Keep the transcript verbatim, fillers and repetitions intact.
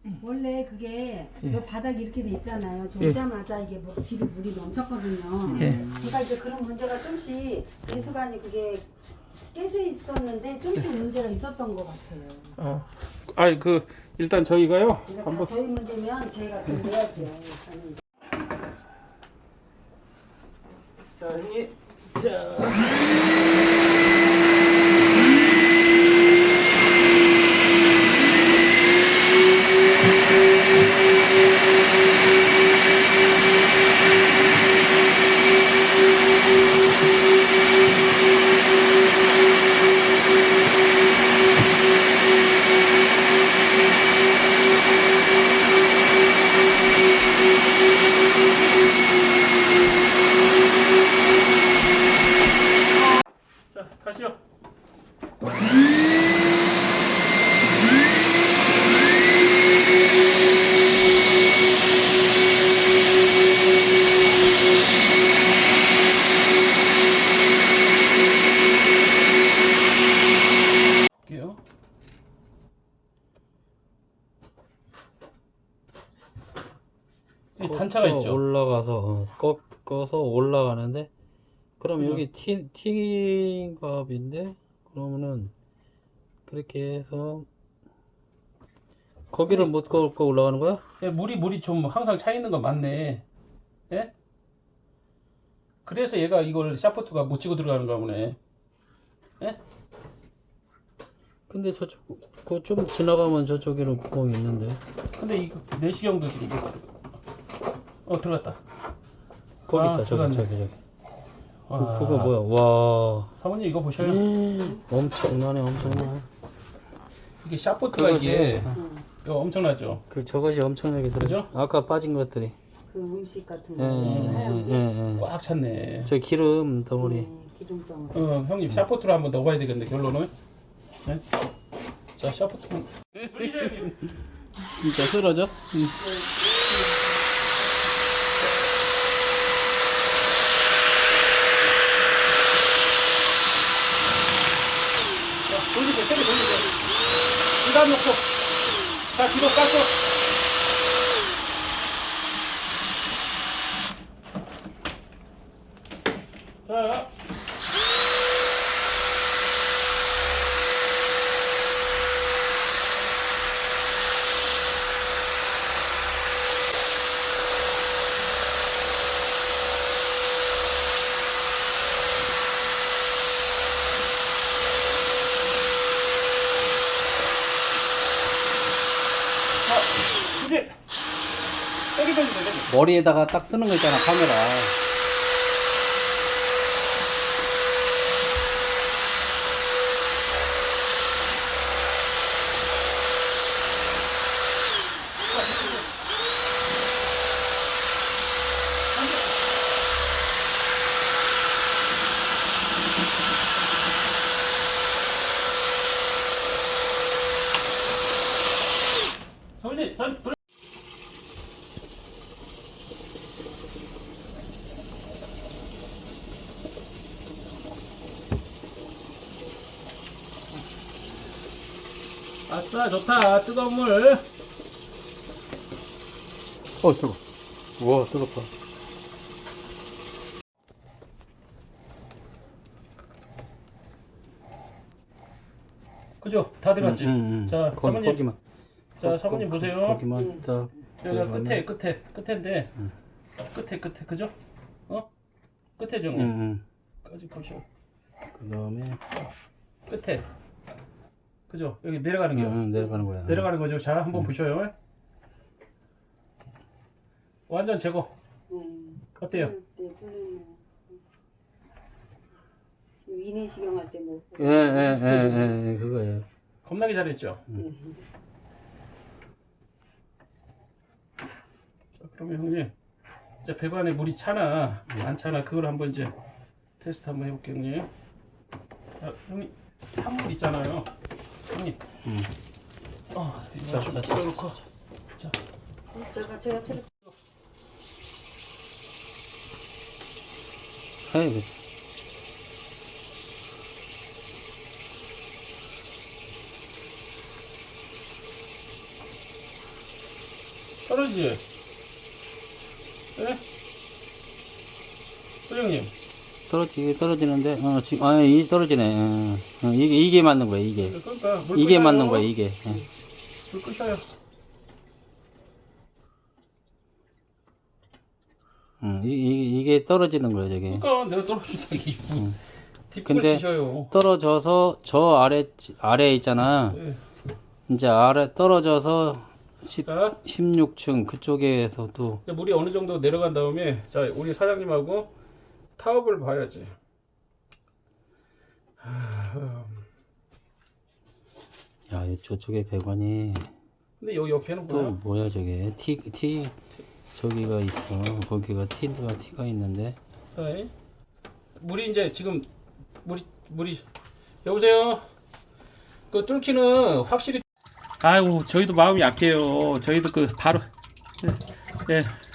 원래 그게 예. 요 바닥이 이렇게 돼 있잖아요. 저 예. 오자마자 이게 뭐 뒤로 물이 넘쳤거든요. 예. 그러니까 이제 그런 문제가 좀씩 배수관이 그게 깨져 있었는데 좀씩 문제가 있었던 것 같아요. 어. 아니 그 일단 저희가요. 그러니까 한번 다 저희 문제면 저희가 그 내야죠. 자 형님. 자. 자, 가시죠. 볼게요. 이 단차가 있죠. 올라가서 어, 꺾어서 올라가는데 그럼 그죠? 여기 티, 팅갑인데 그러면은 그렇게 해서 거기를 못 꺾고 올라가는 거야? 예, 물이 물이 좀 항상 차 있는 거 맞네. 예? 그래서 얘가 이걸 샤프트가 못 치고 들어가는 거 보네. 예? 근데 저쪽 그 좀 지나가면 저쪽에는 구멍이 있는데 근데 이거 내시경도 지금 못 들어가. 어 들어갔다. 거기 아, 있다. 저기 들어갔네. 저기 저기 와. 그, 그거 뭐야? 와 사모님 이거 보셔요. 음, 엄청나네 엄청나. 이게 샤프트가 그거지. 이게 음, 이거 엄청나죠. 그 저것이 엄청나게 들어. 그죠? 아까 빠진 것들이. 그 음식 같은 예, 거 제가 하얀 게 예, 예. 꽉 찼네. 저 기름 덩어리. 네, 기름 덩어리. 어 형님 샤프트로 한번 넣어봐야 되겠는데 결론은. 네? 자 샤프트. 진짜 쓰러져? 응. 돌리세요. 세게 돌리세요. 이단 놓고. 자, 뒤로 깎고. 자. 자, 이제 세게 돌리세요. 세게. 머리에다가 딱 쓰는 거 있잖아, 카메라. 서울님, 전 돌. 아싸, 좋다. 뜨거운 물. 어, 뜨거. 우와, 뜨겁다. 그죠? 다 들어갔지? 응, 응, 응. 자, 거기, 사모님. 거기만. 자, 거- 사모님 거- 보세요. 거기만 딱. 여기가 들어가면- 끝에, 끝에, 끝에인데. 응. 끝에, 끝에, 그죠? 어? 끝에 좀. 응, 응. 까지 보셔. 그 다음에. 끝에. 그죠? 여기 내려가는 게요. 응, 응, 내려가는 거야. 내려가는 거죠. 자, 한번 응. 보셔요. 완전 제거. 음, 어때요? 네, 풀리네요. 지금 위내시경 할 때 뭐. 예, 예, 예, 예, 그거예요. 겁나게 잘했죠? 음. 자, 그러면 형님. 이제 배관에 물이 차나, 안 차나, 그걸 한번 이제 테스트 한번 해볼게요, 형님. 자, 형님. 찬물 있잖아요. 형님. 응. 어, 이거 자, 좀 자, 자. 풀어놓고. 자. 제가 제가 틀 아이고. 떨어지지? 예? 소장님. 떨어지 떨어지는데 어 지금 아 이 떨어지네. 어, 어, 이게 이게 맞는 거야 이게. 그러니까 물 이게 끄셔요. 맞는 거야 이게. 예. 불 끄셔요. 음, 이, 이, 이게 떨어지는 거야 저게. 그러니까 내가 떨어진다 이게. 뒷불 근데 치셔요. 떨어져서 저 아래 아래 있잖아. 네. 이제 아래 떨어져서 십, 자, 십육 층 그쪽에서도 이제 물이 어느 정도 내려간 다음에 자 우리 사장님하고 타업을 봐야지. 야 저쪽에 배관이 근데 여기 옆에는 또 뭐야? 뭐야 저게 티, 티 저기가 있어. 거기가 티가 티가 있는데. 자, 물이 이제 지금 물이 물이 여보세요. 그 뚫기는 확실히. 아이고 저희도 마음이 약해요. 저희도 그 바로 예. 예.